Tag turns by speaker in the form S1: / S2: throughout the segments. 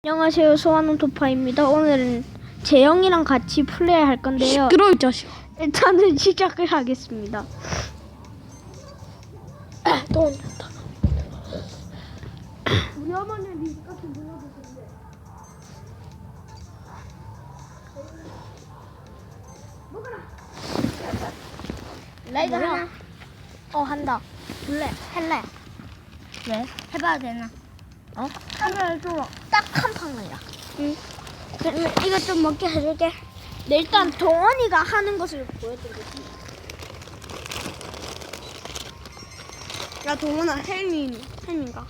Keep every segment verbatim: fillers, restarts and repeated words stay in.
S1: 안녕하세요, 소환은 도파입니다. 오늘은 재영이랑 같이 플레이할 건데요.
S2: 시끄러워, 이 자식아.
S1: 일단은 시작을 하겠습니다.
S2: 또 혼났다.
S1: 우리 어머니는 리스카트 눌러주셨는데. 먹어라.
S2: 라이드
S1: 뭐야?
S2: 하나.
S1: 어, 한다.
S2: 볼래? 할래?
S1: 왜?
S2: 해봐도 되나?
S1: 어? 카메라 줘.
S2: 딱 한 판이야.
S1: 응.
S2: 그러면 이거 좀 먹게 해줄게.
S1: 네, 일단 동원이가 하는 것을 보여드리겠습니다. 야, 동원아, 헬민, 헬민가?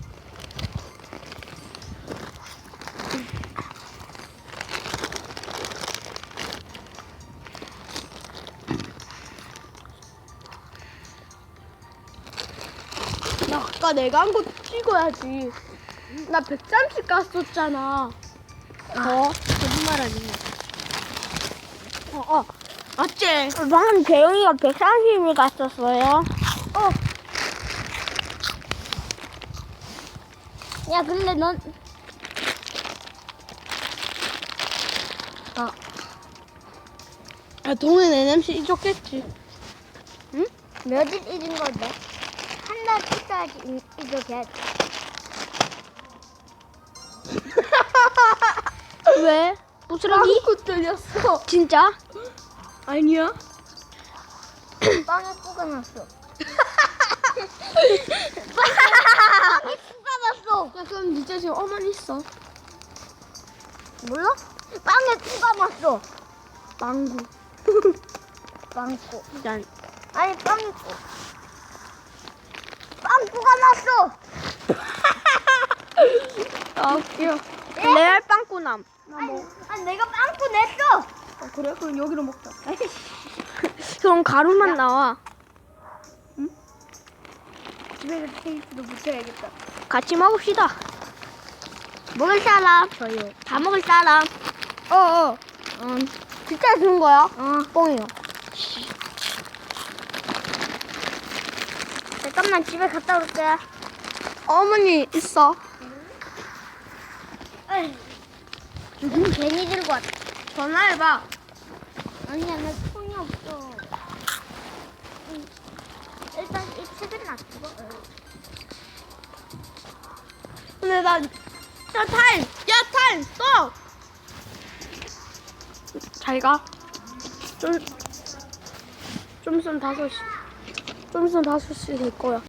S1: 야, 아까 내가 한 거 찍어야지. 나 백삼십 갔었잖아. 어? 거짓말하지. 어, 어. 맞지? 방금 재영이가 백삼십을 갔었어요.
S2: 어. 야, 근데 넌. 어.
S1: 야, 동현 엔엠씨 이겼겠지.
S2: 응? 며칠 잊은 건데? 한 달 있어야지 이렇게.
S1: 왜? 부스러기?
S2: 빵꾸 뚫렸어.
S1: 진짜? 아니야.
S2: 빵에 꾸가 났어. 빵에 꾸가 났어.
S1: 야, 그럼 진짜 지금 어머니 있어.
S2: 몰라? 빵에 꾸가 났어.
S1: 망구.
S2: 빵꾸.
S1: 난
S2: 아니 빵꾸. 빵꾸가 났어.
S1: 아, 웃겨. 레알 빵꾸남.
S2: 아니, 아니 내가 빵꾸 냈어.
S1: 아, 그래? 그럼 여기로 먹자. 그럼 가루만 나와.
S2: 집에 그 테이프도 붙여야겠다.
S1: 같이 먹읍시다.
S2: 먹을 사람?
S1: 저요.
S2: 다 먹을 사람?
S1: 어, 어. 음, 진짜 주는 거야?
S2: 어.
S1: 뻥이요.
S2: 잠깐만 집에 갔다 올게.
S1: 어머니 있어.
S2: 음, 괜히 들고 왔다.
S1: 전화해봐.
S2: 아니야 나 손이 없어. 응. 일단 이 책은 놔두고.
S1: 근데 나, 야, 타임! 야, 타임! 또! 잘 가. 좀, 좀 있으면 다섯 시. 좀 있으면 다섯 시 될 거야.